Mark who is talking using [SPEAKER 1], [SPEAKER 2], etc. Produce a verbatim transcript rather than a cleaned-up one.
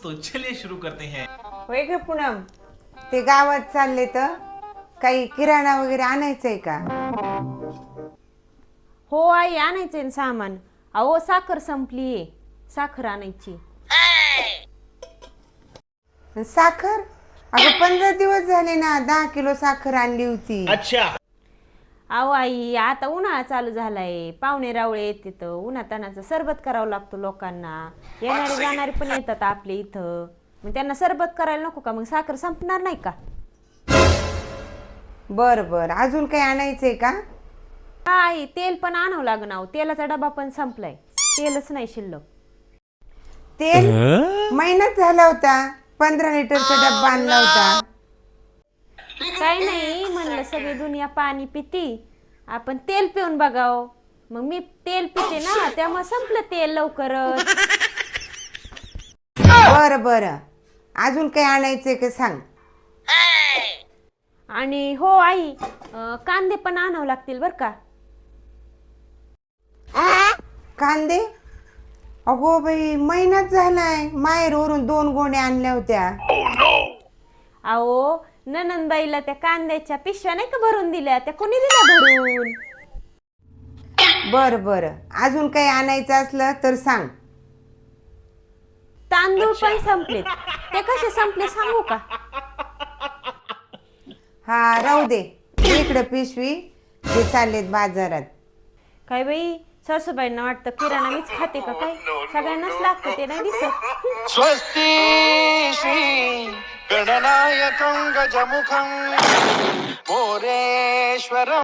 [SPEAKER 1] तो चलिए शुरू करते हैं।
[SPEAKER 2] होय ग पूनम, ते गावात चालले तर काही किराणा वगैरे आणायचंय का?
[SPEAKER 3] हो आई, आणायचंय ना सामान. अहो साखर संपलीये, साखर आणायची.
[SPEAKER 2] साखर? अगं पंधरा दिवस झाले ना, दहा किलो साखर आणली होती.
[SPEAKER 1] अच्छा।
[SPEAKER 3] अहो आई, आता उन्हाळा चालू झालाय, पाहुणे रावळे येत तिथं, उन्हातानाचं सरबत करावं लागतो लोकांना. येणारे जाणारे पण येतात आपल्या इथं, मग त्यांना सरबत करायला नको का? मग साखर संपणार नाही का?
[SPEAKER 2] बर बर, अजून काही आणायचंय का?
[SPEAKER 3] हा आई, तेल पण आणावं लागणार. अहो, तेलाचा डबा पण संपलाय, तेलच नाही शिल्लक.
[SPEAKER 2] तेल महिन्यात झाला होता, पंधरा लिटरचा डब्बा आणला होता.
[SPEAKER 3] काही नाही म्हणलं, सगळी दुनिया पाणी पिती, आपण तेल पिऊन बघाव. मग मी तेल पिते ना, त्यामुळे संपलं तेल लवकरच.
[SPEAKER 2] बर बर, अजून काही आणायचंय का सांग.
[SPEAKER 3] आणि हो आई, अं, कांदे पण आणावं लागतील बर का.
[SPEAKER 2] कांदे? अगो बाई, महिनाच झालाय, माहेरवरून दोन गोण्या आणल्या होत्या.
[SPEAKER 3] अहो ननंदबाईला त्या कांद्याच्या पिशव्या नाही का भरून दिल्या, त्या कोणी दिल्या भरून?
[SPEAKER 2] बर बर, अजून काही आणायचं असलं तर सांग.
[SPEAKER 3] तांदूळ पण संपलेत. ते कसे संपले सांगू का?
[SPEAKER 2] हा राहू दे, इकडं पिशवी, ते चाललेत बाजारात.
[SPEAKER 3] काय बाई, सासूबाईंना वाटतं किराणा मीच खाते का काय? सगळ्यांनाच लागतं, ते नाही दिसत.
[SPEAKER 4] स्वस्ति श्री गणनायकं गजमुखं मोरेश्वरम्